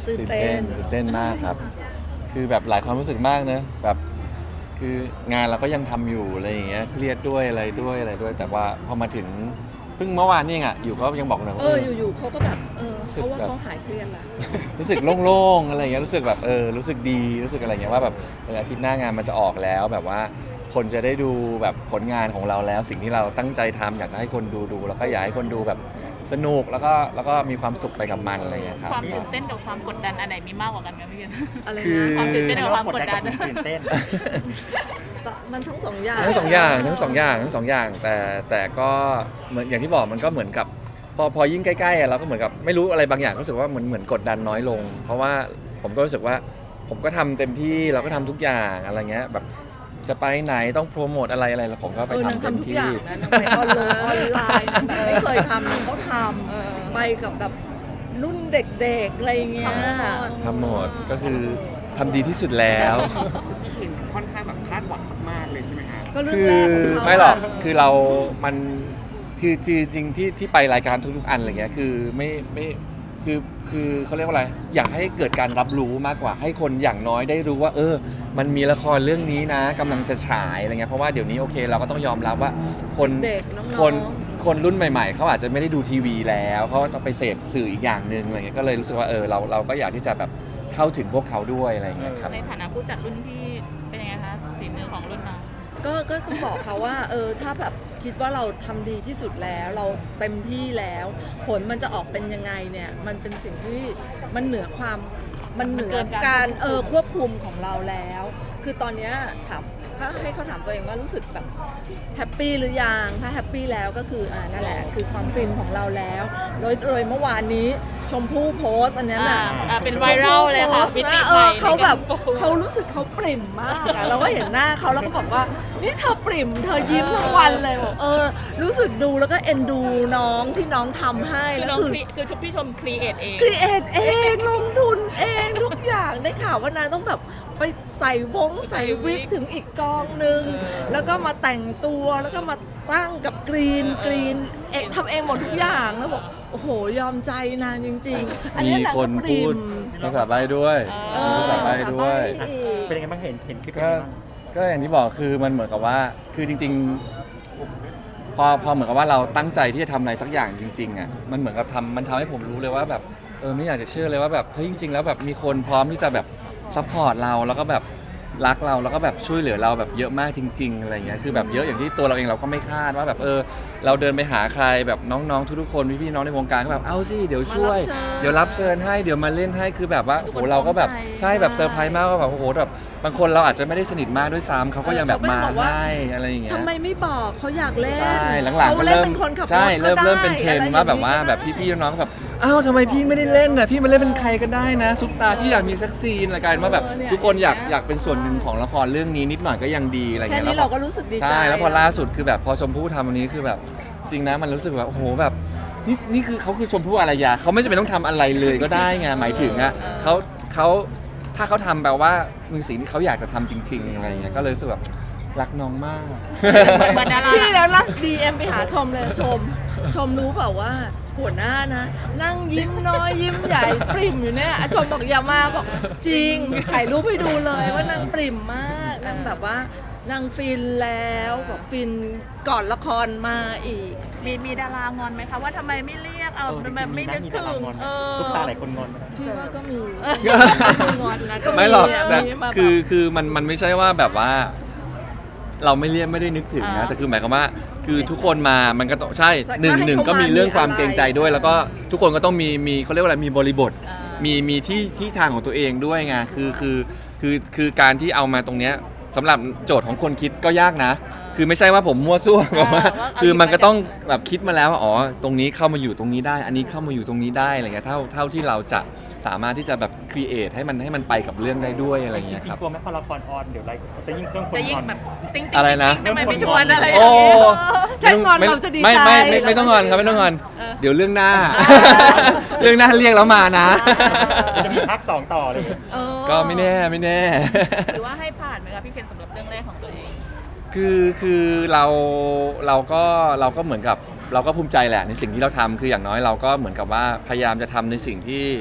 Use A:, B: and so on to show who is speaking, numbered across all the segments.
A: ตื่นเต้นมากครับคือแบบหลายความรู้สึกมากนะแบบคืองานเราก็ยังทำอยู่อะไรอย่างเงี้ยเครียดด้วยอะไรด้วยแต่ว่าพอมาถึงเพิ่งเมื่อวานนี่ไงอยู่ก็ยังบอกเลยว่า
B: อยู่ๆเขาก็แบบเขาว่าเขาหายเครียดแล้ว
A: รู้สึกโล่งๆอะไรอย่างเงี้ยรู้สึกแบบรู้สึกดีรู้สึกอะไรเงี้ยว่าแบบอาทิตย์หน้างานมันจะออกแล้วแบบว่าคนจะได้ดูแบบผลงานของเราแล้วสิ่งที่เราตั้งใจทำอยากจะให้คนดูแล้วก็อยากให้คนดูแบบสนุกแล้วก็มีความสุขไปกับมันอะไรอย่างเงี้ยครับ
C: ความตื่นเต้นกับความกดดันอันไหนมีมากกว่ากันคะพี่เคน
B: อะไร
A: คือ
B: นะ
C: ความตื่นเต้นกับความกดดัน
D: ตื่นเต้น
B: มันทั้งสองอย่าง
A: ทั้งสองอย่างแต่ก็เหมือนอย่างที่บอกมันก็เหมือนกับพอยิ่งใกล้ๆเราก็เหมือนกับไม่รู้อะไรบางอย่างรู้สึกว่าเหมือนกดดันน้อยลง เพราะว่าผมก็รู้สึกว่าผมก็ทำเต็มที่เราก็ทำทุกอย่างอะไรเงี้ยแบบจะไปไหนต้องโปรโมทอะไรแล้วผมก็ไปทำเต็มที่
B: นางไปออนไลน์ไม่เคยทำนางก็ทำไปกับแบบรุ่นเด็กๆอะไรเงี้ย
A: ทำหมดก็คือทำดีที่สุดแล้ว
D: พี่เคนค่อนข้างแบบคาดหวังมากๆเลยใช่ไหมครับ
B: ก็เรื่อ
A: คื
B: ง
A: อ
B: แรกของเขา
A: ไม่หรอกคือเรามันคือจริงๆที่ไปรายการทุกๆอันอะไรเงี้ยคือไม่คือเขาเรียกว่าอะไรอยากให้เกิดการรับรู้มากกว่าให้คนอย่างน้อยได้รู้ว่ามันมีละครเรื่องนี้นะกำลังจะฉายอะไรเงี้ยเพราะว่าเดี๋ยวนี้โอเคเราก็ต้องยอมรับว่าคน
B: เด็กน้องๆ
A: คนรุ่นใหม่ๆเขาอาจจะไม่ได้ดูทีวีแล้วเขาต้องไปเสพสื่ออีกอย่างหนึ่งอะไรเงี้ยก็เลยรู้สึกว่าเราก็อยากที่จะแบบเข้าถึงพวกเขาด้วยอะไรเงี้ยครับ
C: ในฐานะผู้จัดรุ่นที่เป็นยังไงคะฝีมือของรุ่นน้อง
B: ก็ต้องบอกเขาว่าถ้าแบบคิดว่าเราทำดีที่สุดแล้วเราเต็มที่แล้ว ผลมันจะออกเป็นยังไงเนี่ยมันเป็นสิ่งที่มันเหนือการควบคุมของเราแล้ว คือตอนเนี้ยถามถ้าให้เขาถามตัวเองว่ารู้สึกแบบแฮปปี้หรือยังถ้าแฮปปี้แล้วก็คือนั่นแหละคือความฟินของเราแล้วโดยเมื่อวานนี้ชมพู่โพสต์อันนั้นน่ะ
C: เป็นไวรัลเลยค่ะ
B: มิติเขาแบบเขารู้สึกเขาปริ่มมากอะเราก็เห็นหน้าเขาแล้วก็บอกว่านี่เธอปริ่มเธอยิ้มทั้งวันเลยบอกรู้สึกดูแล้วก็เอ็นดูน้องที่น้องทำให้
C: คือ
B: แล้ว
C: น้อง
B: คือ
C: พี่ชมครีเอทเอง
B: ครีเอทเองลงทุนเองทุกอย่างได้ข่าวว่านางต้องแบบไปใส่วิกถึงอีกกองนึงแล้วก็มาแต่งตัวแล้วก็มาตั้งกับกรีนทำเองหมดทุกอย่างแล้วบอกโอ้โหยอมใจนางจริงๆอันนี้
A: มี
B: นาง
A: ค
B: ก็
A: น
B: ปริ
A: พูด
B: ม
A: ภาษาใบด้วยภาษาใบด้วย
D: เป็นยังไงบ้างเห็นคลิปเป็น
A: ก็
D: ยังไงบ้าง
A: ก็อย่างที่บอกคือมันเหมือนกับว่าคือจริงๆพอเหมือนกับว่าเราตั้งใจที่จะทำอะไรสักอย่างจริงๆอ่ะมันเหมือนกับมันทำให้ผมรู้เลยว่าแบบไม่อยากจะเชื่อเลยว่าแบบเฮ้ยจริงๆแล้วแบบมีคนพร้อมที่จะแบบซัพพอร์ตเราแล้วก็แบบรักเราแล้วก็แบบช่วยเหลือเราแบบเยอะมากจริงๆอะไรเงี้ยคือแบบเยอะอย่างที่ตัวเราเองเราก็ไม่คาดว่าแบบเราเดินไปหาใครแบบน้องๆทุกๆคนพี่ๆน้องในวงการก็แบบเอาสิเดี๋ยวช่วยเดี๋ยวรับเชิญให้เดี๋ยวมาเล่นให้คือแบบว่าโอ้โหเราก็แบบใช่แบบเซอร์ไพรส์มากว่าแบบโอ้โหแบบบางคนเราอาจจะไม่ได้สนิทมากด้วยซ้ำเขาก็ยังแบบมาให้อะไรอย่างเงี้ย
B: ทำไมไม่บอกเขาอยากเล่น
A: ใช่หลังๆก็
B: เล่น
A: เริ่ม
B: เป็นคนขับรถ
A: ใช่เริ่ม
B: ก็ได้
A: เป็นเทรนด์ว่าแบบว่า
B: อะไรอย่งนี้
A: แบบพี่ๆน้องๆก็แบบอ้าวทำไมพี่ไม่ได้เล่นน่ะพี่มาเล่นเป็นใครก็ได้นะซุปตาพี่อยากมีสักซีนอะไรกันว่าแบบทุกคนอยากเป็นส่วนหนึ่งของละครเรื่องนี้นิดหน่อยก็ยังดีอะไร
B: แค่
A: เงี้ย
B: นี้เราก็รู้สึกดีใจ
A: ใช่แล้วพอล่าสุดคือแบบพอชมพู่ทำวันนี้คือแบบจริงนะมันรู้สึกแบบโอ้โหแบบนี่คือเขาคือชมพู่อารยาเขาไม่จำเป็นต้องทำอะไรเลยก็ได้ไงหมายถึงอ่ะเขาถ้าเขาทำแปลว่ามีสิ่งที่เขาอยากจะทำจริงๆอะไรเงี้ยก็เลยรู้สึกแบบรักน้องมาก
C: เหมือนดารา
B: พี่แล้วนะ DM ไปหาชมเลยชมรู้เปล่าว่าหัวหน้านะ นั่งยิ้มน้อยยิ้มใหญ่ปริ่มอยู่เนี่ยชมบอกอย่ามาบอกจริงถ่ายรูปให้ดูเลยว่านางปริ่มมากนางแบบว่านางฟินแล้วบอกฟินก่อนละครมาอีก
C: มีดารางอนไหมคะว่าทำไมไม่เรียกเอาแบบไม่นึก
D: มี
C: ถึ
D: ดาราง งอนทุกตาหลายคนงอนไหม
B: พี่ว่าก็มีงอนนะก็
A: ไม่หรอก
B: ะ
A: แต่
B: มีมาแบบ
A: คือมันไม่ใช่ว่าแบบว่า เราไม่เรียกไม่ได้นึกถึงนะแต่คือหมายความว่าคือทุกคนมามันก็ต้องใช่หนึ่งก็มีเรื่องความเกรงใจด้วย แล้วก็ทุกคนก็ต้องมีเขาเรียกว่าอะไรมีบริบทมีที่ทางของตัวเองด้วยไงคือการที่เอามาตรงเนี้ยสำหรับโจทย์ของคนคิดก็ยากนะ คือไม่ใช่ว่าผมมั่วซั่วแบบว่าคือมันก็ต้องแบบคิดมาแล้วว่าอ๋อตรงนี้เข้ามาอยู่ตรงนี้ได้ อันนี้เข้ามาอยู่ตรงนี้ได้อะไรเงี้ยเท่าที่เราจะสามารถที่จะแบบครีเอทให้มันไปกับเรื่องได้ด้วยอะไรเงี้ยครับ
D: กลัวไหมพอละครออนเดี๋ยวอะไรจะยิ่งเพิ่มคน
C: จะยิ่
D: ง
C: ง
D: อน
C: แบบติ๊ง
A: อะไรนะ
C: ทำไมไม่ชวนอะไรอย่าง
A: โอ้
C: เงี้ย
B: ถ้างอนเราจะดีใจ
A: ไม่ต้องงอนครับไม่ต้องงอน เดี๋ยวเรื่องหน้า เรื่องหน้าเรียกแล้วมานะ
D: จะมีภาค 2 ต่อเลย
A: ก็ไม่แน่
C: หรือว่าให้ผ่านไหมคะพี่เคนสำหรับเรื่องแรกของตัวเอง
A: คือเราก็เหมือนกับเราก็ภูมิใจแหละในสิ่งที่เราทำคืออย่างน้อยเราก็เหมือนกับว่าพยายามจะทำในสิ่งที่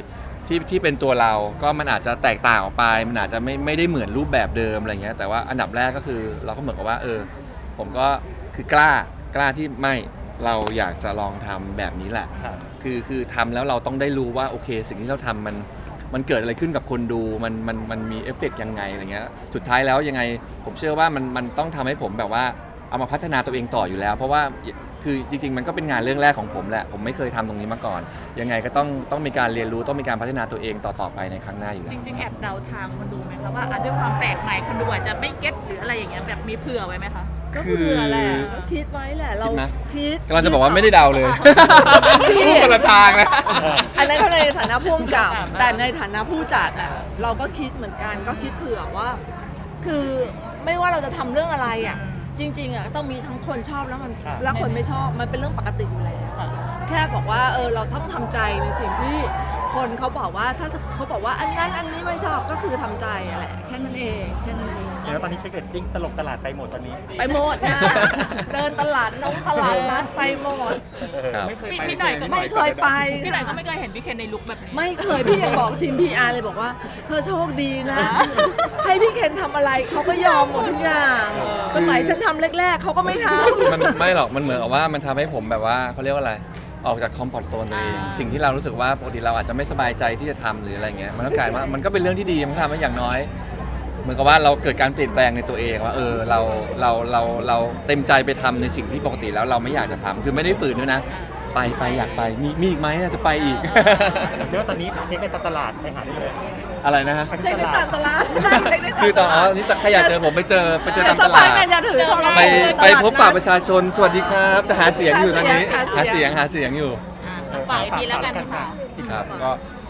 A: ที่เป็นตัวเราก็มันอาจจะแตกต่างออกไปมันอาจจะไม่ได้เหมือนรูปแบบเดิมอะไรเงี้ยแต่ว่าอันดับแรกก็คือเราก็เหมือนกับว่าผมก็คือกล้าที่ไม่เราอยากจะลองทำแบบนี้แหละ
E: ครับ
A: คือทำแล้วเราต้องได้รู้ว่าโอเคสิ่งที่เราทำมันเกิดอะไรขึ้นกับคนดูมันมีเอฟเฟกต์ยังไงอะไรเงี้ยสุดท้ายแล้วยังไงผมเชื่อว่ามันต้องทำให้ผมแบบว่าเอามาพัฒนาตัวเองต่ออยู่แล้ว เพราะว่าคือจริงๆมันก็เป็นงานเรื่องแรกของผมแหละผมไม่เคยทำตรงนี้มาก่อนยังไงก็ต้องมีการเรียนรู้ต้องมีการพัฒนาตัวเองต่อไปในครั้งหน้าอยู่แล้
C: จ
A: ว
C: ริงๆแอบเดาทางคนดูไหมคะว่าด้วยความแปลกใหม่คนดูอาจจะไม่เก็ตหรืออะไรอย่างเงี้ยแบบมีเผื่อไว้ไหมคะ
B: ก็เผื่อแหละก็คิดไว้แหละเรา
A: คิดไหม
B: คิด
A: กำลังจะบอกว่าไม่ได้เดาเลย
B: พี่
A: พูดคนละทางนะ
B: อันนั้นเขาในฐานะผู้กำกับแต่ในฐานะผู้จัดอะเราก็คิดเหมือนกันก็คิดเผื่อว่า คือไม่ว่าเราจะทำเรื่องอะไรอะจริงๆอะต้องมีทั้งคนชอบแล้วแล้วคนไม่ชอบมันเป็นเรื่องปกติอยู่แล้ว แค่บอกว่าเราต้องทำใจในสิ่งที่คนเขาบอกว่าถ้าเขาบอกว่าอันนั้นอันนี้ไม่ชอบก็คือทำใจอะแหละแค่นั้นเองแค่นั้นเอง
E: แล้วตอนนี้เช็คเรตติ้งตลกตลาดไปหมดตอนนี้
B: ไปหมดนะเดินตลาดตลาดนัดไปหมด
A: ครับ
D: ไม่เคยไป
C: พี่หน่อยก็
B: ไม่เคยไป
C: พี่หน่อยก็ไม่เคยเห็นพี่เคนในลุคแบบนี้
B: ไม่เคยพี่ยังบอกทีม PR เลยบอกว่าเธอโชคดีนะ ให้พี่เคนทำอะไรเขาก็ยอมหมดทุกอย่างสมัยฉันทำแรกๆเขาก็ไม่ทำ
A: มันไม่หรอกมันเหมือนกับว่ามันทำให้ผมแบบว่าเขาเรียกว่าอะไรออกจากคอมฟอร์ทโซนตัวเองสิ่งที่เรารู้สึกว่าปกติเราอาจจะไม่สบายใจที่จะทำหรืออะไรเงี้ยมันก็กลายว่ามันก็เป็นเรื่องที่ดีมันทำให้อย่างน้อย เหมือนกับว่าเราเกิดการเปลี่ยนแปลงในตัวเองว่าเราเต็มใจไปทำในสิ่งที่ปกติแล้วเราไม่อยากจะทำคือไม่ได้ฝืนด้วยนะ ไปอยากไปมีอีกไหมจะไปอีก
E: เรียกว่าตอนนี้เช็คในตลาดไปหาได้เลย
A: อะไรนะฮะ
B: เช็คได้ตามตลาดเช็คได้ตาม
A: คือตอน
B: ลาด
A: นี่ใครอยากเจอผมไปเจอตาม
B: ส
A: ต
B: บา
A: ลาย ด
B: ไงอย่าถือโทรศัพท์
A: ไปพบปะประชาชนสวัสดีครับจะหาเสียงอยู่ตอนนี้
B: หา
A: หา
B: เสี
A: เสีย
B: ย
A: ง
B: ง
A: หาเสียงอยู่
C: ฝากอีกทีแล้วกันค่ะ
A: ครับก็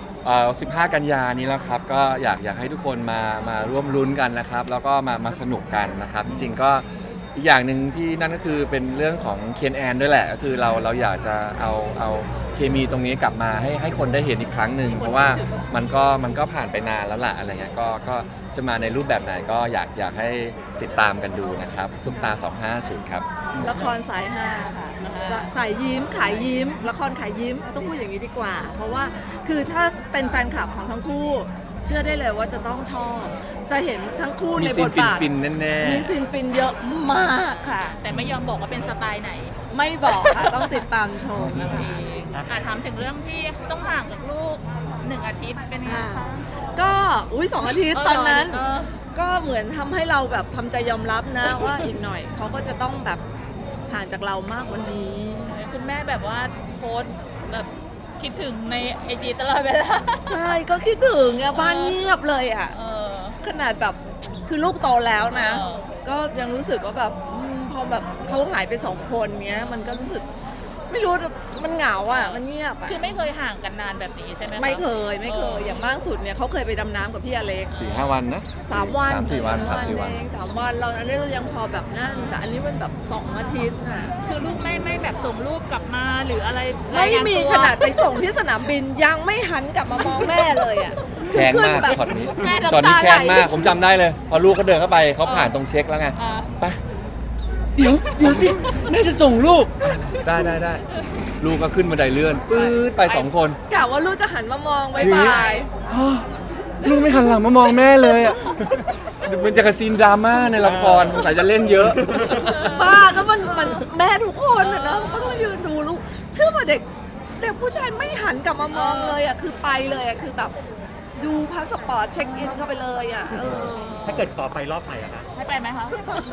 A: 15 กันยานี้แล้วครับก็อยากให้ทุกคนมาร่วมลุ้นกันนะครับ แล้วก็มาสนุกกันนะครับ จริงๆก็อีกอย่างหนึ่งที่นั่นก็คือเป็นเรื่องของเคนแอนด้วยแหละก็คือเราอยากจะเอาเคมีตรงนี้กลับมาให้คนได้เห็นอีกครั้งหนึ่งเพราะว่ามันก็ผ่านไปนานแล้วล่ะอะไรเงี้ยก็จะมาในรูปแบบไหนก็อยากให้ติดตามกันดูนะครับซุปตา250ครับ
B: ละครสายฮาค่ะสายยิ้มขายยิ้มละครขายยิ้มต้องพูดอย่างนี้ดีกว่า เพราะว่าคือถ้าเป็นแฟนคลับของทั้งคู่ เชื่อได้เลยว่าจะต้องชอบจะเห็นทั้งคู่
A: มี
B: ใน
A: ซี
B: บ
A: น
B: ทบาท
A: ฟินๆแน่
B: มีซีนฟินเยอะมากค่ะ
C: แต่ไม่ยอมบอกว่าเป็นสไตล์ไหน
B: ไม่บอกค่ะต้องติดตามชม
C: นั่น
B: นะคะ
C: เองถามถึงเรื่องที่ต้องห่างกับลูก1 อาทิตย์เป็นไงคะ
B: ก็2 อาทิตย์ตอนนั้น
C: เออ
B: ก็เหมือนทำให้เราแบบทำใจยอมรับนะ ว่าอีกหน่อยเขาก็จะต้องแบบห่างจากเรามากกว่านี้
C: คุณแม่แบบว่าโพสต์แบบคิดถึงในไอจีตลอดเวลา
B: ใช่ก็คิดถึงอะบ้านเงียบเลยอะ
C: เออ
B: ขนาดแบบคือลูกโตแล้วนะ
C: เออ
B: ก็ยังรู้สึกว่าแบบพอแบบเขาหายไป2 คนเนี้ยมันก็รู้สึกไม่รู้มันเหงาอ่ะมันเงียบอ่ะ
C: คือไม่เคยห่างกันนานแบบนี้ใช่ไหมคะ
B: ไม่เคยอย่างมากสุดเนี่ยเขาเคยไปดำน้ำกับพี่อเล็ก
A: 4-5 วันนะ
B: 3 วัน
A: 3-4 วัน
B: เอง3 วันเราอันนี้เรายังพอแบบนั่นแต่อันนี้มันแบบ2 อาทิตย์น่ะ
C: คือลูกไม่แบบส่งรูปกลับมาหรืออะไร
B: ไม่
C: รายงาน
B: มี
C: ตัว
B: ขนาดไปส่งที่สนามบินยังไม่หันกลับมามองแม่เลยอ่ะ
A: แค้น
B: ขึ้
A: มาก
B: แบบ
A: ช็อตนี้
C: แม่น้ำตา
A: ช็อตนี้แค้นมาก
C: ไหล
A: ผมจำได้เลย พอลูกเขาเดินเข้าไปเขาผ่านตรงเช็คแล้วไง
C: อ่า
A: ไปเดี๋ยวสิน่าจะส่งลูกได้ลูกก็ขึ้นบันไดเลื่อนปื๊ดไป2 คน
B: กะว่าลูกจะหันมามองบาย
A: อย่างนี้
B: บาย
A: อ้อลูกไม่หันหลังมามองแม่เลยอ่ะมันจะกระซีนดราม่าในละครสงสัยจะเล่นเยอะ
B: บ้าก็มันแม่ทุกคนอะนะก็ต้องยืนดูลูกเชื่อป่ะเด็กผู้ชายไม่หันกลับมามองเลยอ่ะคือไปเลยอ่ะคือแบบดูพาสปอร์ตเช็คอินเข้าไปเลยอ่ะ
E: ถ้าเกิดขอไปรอบไหนอะคะ
C: ให้ไปไหมคะ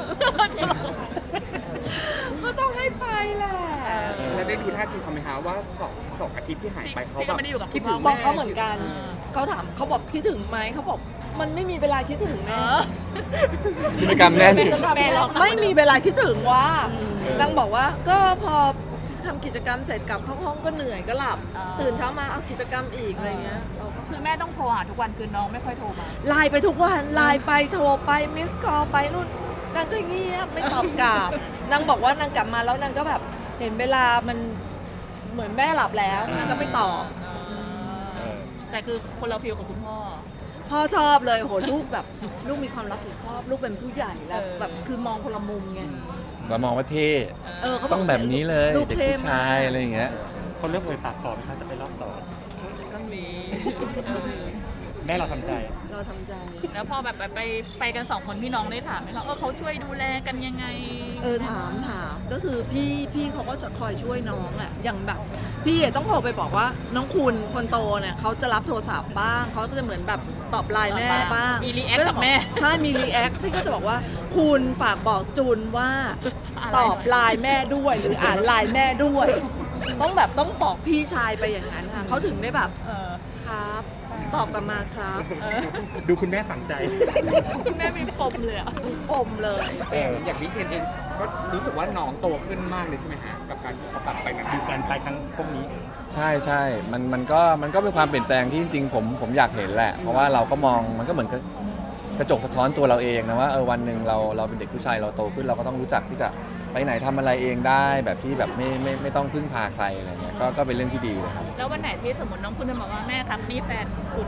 B: ก็ต้องให้ไปแหละ
D: แล้วได้ดูท่าทีเขาไหมคะว่าสองอาทิตย์ที่หายไปเขา
C: ที่
D: แบ
C: ก็
D: บ
C: ไม่ได้อยู่กับ
D: คิดถึง
B: บ
D: แม่
B: อกเขาเหมือนกันเขาถามเขาบอกคิดถึงไหมเขาบอกมันไม่มีเวลาคิดถึง
C: เอ
B: แม่
C: อ
A: กิจกรรมแน่น
C: แม่ร้องไห้
B: ไม่มีเวลาคิดถึงว่านางบอกว่าก็พอทำกิจกรรมเสร็จกลับเข้าห้องก็เหนื่อยก็หลับ ตื่นเช้ามาเอากิจกรรมอีกอะไรเงี้ยเราก็
C: คือแม่ต้องโทรหาทุกวันคือน้องไม่ค่อยโทรมา
B: ไลน์ไปทุกวันไลน์ไปโทรไปมิสคอลไปนู่นนางก็เงียบไม่ตอบกลับนางบอกว่านางกลับมาแล้วนางก็แบบเห็นเวลามันเหมือนแม่หลับแล้วนางก็ไม่ตอบ
C: แต่คือคนเราฟีลกับคุณพ่อ
B: พ่อชอบเลยโหลูกแบบลูกมีความรับผิดชอบ ลูกเป็นผู้ใหญ่แล้วแบบคือมองคนละมุมไง
A: เรามองว่าเท่
B: เขาบก
A: ต้องแบบนี้เลย
B: ลูก
A: เด็ก
B: เท่
A: ผู้ชายอะไรอย่างเงี้ย
E: คนเริ่มเอ่ยปากขอไหมคะจะไปรอบ2
B: ก็มี
C: มีเออ
E: แม่เราทำใจ
B: เราทำใจ
C: แล้วพอแบบไปกันสองคนพี่น้องได้ถามไหมคะเขาช่วยดูแลกันยังไง
B: ถามก็คือพี่เขาก็จะคอยช่วยน้องอะอย่างแบบพี่ต้องโทรไปบอกว่าน้องคุณคนโตเนี่ยเขาจะรับโทรศัพท์บ้างเขาก็จะเหมือนแบบตอบไลน์แม่บ้าง
C: มี react กับแม่
B: ใช่มีรีแอคพี่ก็จะบอกว่าคุณฝากบอกจูนว่า
C: อะไร
B: ตอบไลน์แม่ด้วย หรืออ่านไลน์แม่ด้วย ต้องบอกพี่ชายไปอย่างนั้นค่ะเขาถึงได้แบบ
C: เออ
B: ครับ ตอบกลับมาครับ
E: ดูคุณแม่ฝังใจ
C: คุณแม่มีปมเลยอ่ะ
B: มีปมเลย
D: อย่างพี่เคนเองก็รู้สึกว่าน้องโตขึ้นมากเลยใช่ไหมฮะกับการที่เขาปรับไปนั้น
E: ดูการไปครั้งพวกนี้
A: ใช่ใช่มันก็เป็นความเปลี่ยนแปลงที่จริงๆผมอยากเห็นแหละ เพราะว่าเราก็มองมันก็เหมือนกับกระจกสะท้อนตัวเราเองนะว่าวันหนึ่งเราเป็นเด็กผู้ชายเราโตขึ้นเราก็ต้องรู้จักที่จะไปไหนทำอะไรเองได้แบบที่แบบไม่ต้องพึ่งพาใครอะไรเงี้ยก็เป็นเรื่องที่ดีเลยครับ
C: แล้ววันไหนที่สมมติน้องคุณจะบอกว่าแม่ครับนี่แฟนคุณ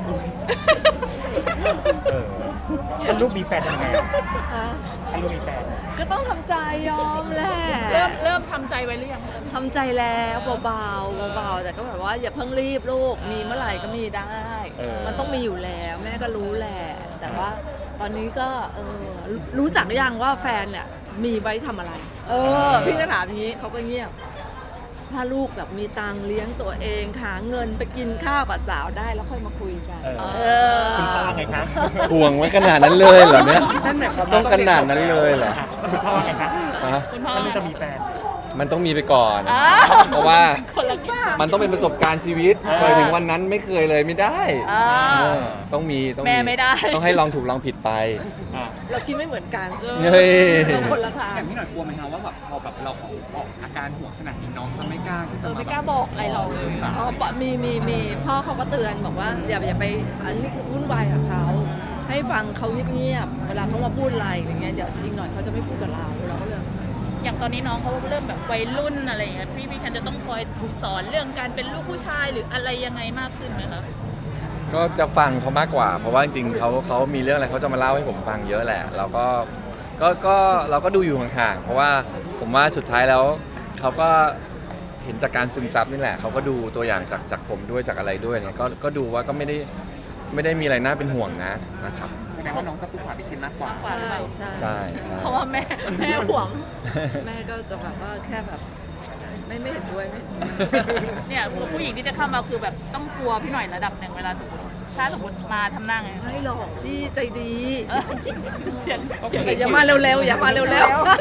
E: ถ้าลูกมีแฟนทำยังไงอะ
B: ฮะ
E: ถ้าลูกมีแฟน
B: ก็ต้องทำใจยอมแหละ
C: เริ่มทำใจไว้หรือยัง
B: ทำใจแล้วเบาๆแต่ก็แบบว่าอย่าเพิ่งรีบลูกมีเมื่อไหร่ก็มีได้ มันต้องมีอยู่แล้วแม่ก็รู้แหละแต่ว่าตอนนี้ก็รู้จักหรือยังว่าแฟนเนี่ยมีไว้ทำอะไร พี่ก็ถามอย่างนี้เขาก็เงียบถ้าลูกแบบมีตังค์เลี้ยงตัวเองหาเงินไปกินข้าวกับสาวได้แล้วค่อยมาคุยกัน
E: คุณพ่อว่าไงคะ
A: ทวงไว้ขนาดนั้นเลยเหรอเนี่ย
D: นั่นหมายความ
A: ต้องขนาดนั้นเลยเหรอ
E: คุณพ่อว่าไงคะ
A: ฮะ
C: คุณพ่อ
E: ถ้าลูกจะมีแฟน
A: มันต้องมีไปก่อน
C: อ้าว
A: เพราะว่า
C: คนละบ้า
A: มันต้องเป็นประสบการณ์ชีวิต
E: อ่า
A: เคยถึงวันนั้นไม่เคยเลยไม่ได้
C: อ่า
A: เออต้องมี
C: แม่ไม่ได้
A: ต้องให้ลองถูกลองผิดไป
B: เราคิดไม่เหมือนกัน
A: เฮ้ย
B: เราคนละทาง
D: แต่พี่หน่อยกลัวไหมคะว่าแบบพอแบบเราออกอาการห่วงขนาดนี้น้องจะไม่กล้าที่จะมา
C: ไม่กล้าบอกอะไรเราเลย
B: อ๋อมีพ่อเขาก็เตือนบอกว่าอย่าไปอันนี้วุ่นวายกับเขาให้ฟังเขาเงียบๆเวลาเขามาพูดอะไรอย่างเงี้ยเดี๋ยวอีกหน่อยเขาจะไม่พูดกับเราก็เลย
C: อย่างตอนนี้น้องเขาเริ่มแบบวัยรุ่นอะไรอย่างเงี้ยพี่แคนจะต้องคอยสอนเรื่องการเป็นลูกผู้ชายหรืออะไรยังไงมากขึ้นไหมคะ
A: ก็จะฟังเขามากกว่า เพราะว่าจริงๆเขามีเรื่องอะไรเขาจะมาเล่าให้ผมฟังเยอะแหละ เราก็ดูอยู่ห่างๆเพราะว่าผมว่าสุดท้ายแล้วเขาก็เห็นจากการซึมซับนี่แหละเขาก็ดูตัวอย่างจากผมด้วยจากอะไรด้วยเนี่ยก็ดูว่าก็ไม่ได้มีอะไรน่าเป็นห่วงนะครับ
D: แสดงว่าน้องจะปรึกษาพี่เคนมากกว่า
B: ใช่
A: ใช่ใช่
C: เพราะว่าแม่ห่วง
B: แม่ก็จะแบบว่าแค่แบบไม่เห็นด้วยไม่เห็นด้วย
C: เนี่ยผู้หญิงที่จะเข้ามาคือแบบต้องกลัวพี่หน่อยระดับหนึ่งเวลาสมมติถ้าสมมติมาทำหน้าไง
B: ไม่หรอกพี่ใจดี
C: เออเสียง
B: แต่อย่ามาเร็วๆอย่ามาเร็ว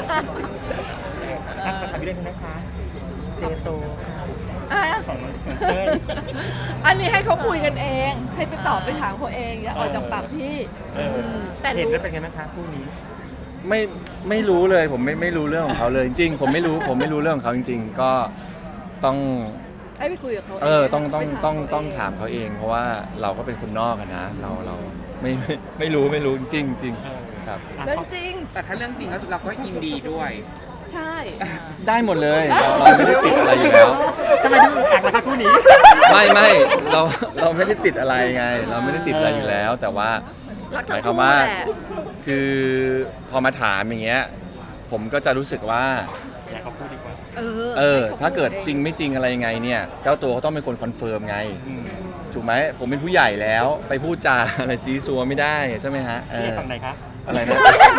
E: อ่ะขอถามพี่เล่นงนะคะเจโต
B: ๆอ่ะ
E: ของเต้ย
B: อันนี้ให้เขาคุยกันเอง ให้ไปตอบไปถามเขาเองอย่าออกจากปากพี่
C: แต่
E: เห็น
C: รู้
E: แล้วเป็นไงบ้างคะคู่นี้
A: ไม่รู้เลยผมไม่รู้เรื่องของเขาเลยจริงๆผมไม่รู้เรื่องของเขาจริง ๆ ก็ต้อง
B: ให้ไปคุยกับเขา
A: ต้องถามเขาเอง เพราะว่าเราก็เป็นคนนอกอะนะเราไม่รู้จริงๆครับ
B: เรื่องจริง
D: แต่ถ้าเรื่องจริงแล้วเราก็ยินดีด้วย
B: ใช่
A: ได้หมดเลยเราไม่ได้ติดอะไรอยู่แล้ว
E: ทำไมดูอึดอัดล่ะคะคู่นี้
A: ไม่เราไม่ได้ติดอะไรไง เราไม่ได้ติดอะไรอยู่แล้ว แต่ว่า
B: รัก
A: ห
B: ทั้
A: มาง ยค
B: คู่
A: วามว่า
B: แหละ
A: คือพอมาถามอย่างเงี้ยผมก็จะรู้สึกว่า
E: อยากเขาพูดดีกว่า
B: ให้ข
A: ถ้าเกิด
B: พูอ
A: จริงไม่จริงอะไรยังไงเนี่ยเจ้าตัวเขาต้องเป็นคนคอนเฟิร์มไง
E: อืม
A: ถูกไหมผมเป็นผู้ใหญ่แล้วไปพูดจาอะไรซีซัวไม่ได้ใช่ไหมฮะ
E: พี่ฝั่งไหนคะ
A: อะไรนะ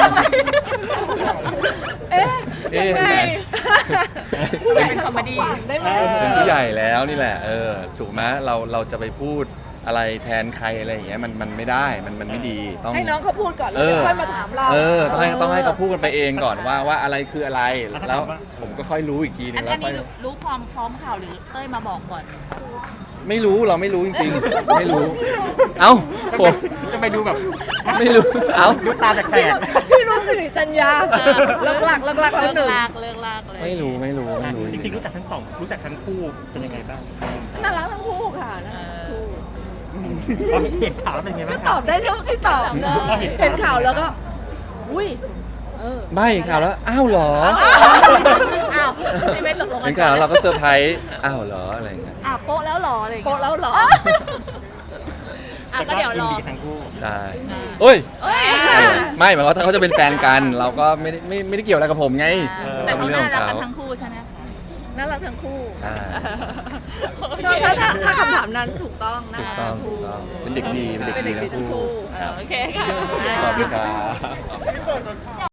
B: เอ๊ะ
A: เอ๊ะ
B: ยังไง
C: ผู้ใหญ่เป็นคอมเมดี้
B: ได้ไหม
A: เป็นผู้ใหญ่แล้วนี่แหละถูกไหมเราจะไปพูดอะไรแทนใครอะไรอย่างเงี้ยมันไม่ได้มันไม่ดีต้อง
B: ให้น้องเขาพูดก่อนแล้วเดี๋ยวค่อยมาถามเรา
A: ต้องให้เขาพูดกันไปเองก่อนว่าอะไรคืออะไรแล้วผมก็ค่อยรู้อีกทีนึ
C: อั
A: ง
C: น
A: แล้วค่
C: นี้
A: อย
C: รู้ความพร้อมข่าวหรือเต้ยมาบอกก่อน
A: ไม่รู้เราไม่รู้จริงๆไม่รู้ เอ้าผม
D: จะไปดูแบบ
A: ไม่รู้เอ้า
E: ดูตาแปลก
B: พี่รู้สิริจัญญาเลิกหลักแล้วหนึ่ง
C: เลิกลากเลย
A: ไม่รู้
E: ๆจริงๆรู้จักทั้งสองรู้จักทั้งคู่เป็นยังไงบ้าง
B: น่ารักทั้งคู่ค่ะน่ารักทั้งคู่
E: พอเห็นข่าวแล้วเป็นยังไง
B: ก็
E: บ้าง
B: ต
E: คะ
B: อบได้เท่าที่ตอบเห็นข่าวแล้วก็ อุ้ย
A: ๆไม่ข่าวแล้วอ้าวเหรอ
C: อ้าวไม่ตกลงกั
A: เห็นข่าวแล้วเราก็เซอร์ไพรส์อ้าวเหรออะไรอย่างเงี้ย
C: อ้าวโป๊ะแล้วหรออะไรอย่าง
B: โปะ
C: เงี้ย
B: แล้วเหรอ
C: อ่ะก็เดี๋ยวรอ
E: ยินดีทั้งคู่
A: ใช่โอ้ย
C: เอ้ย
A: ไม่หมายว่าถ้าเขาจะเป็นแฟนกัน เราก็ไม่ได้เกี่ยวอะไรกับผมไง
C: แต่เขา
A: เป็นเรื่อง
C: น่า
A: ของ
C: รัก
A: เขา
C: กันทั้งคู่ใช่ไหมคะ
B: น่ารักทั้งคู่
A: ใช่
B: ถ้าคำถามนั้นถูกต้องนะ
A: ถูกต้องถูกต้องเป็นเด็กดีเป็นเด็กดีทั้งคู่
C: โอเคค่ะ
A: ขอบคุณครับ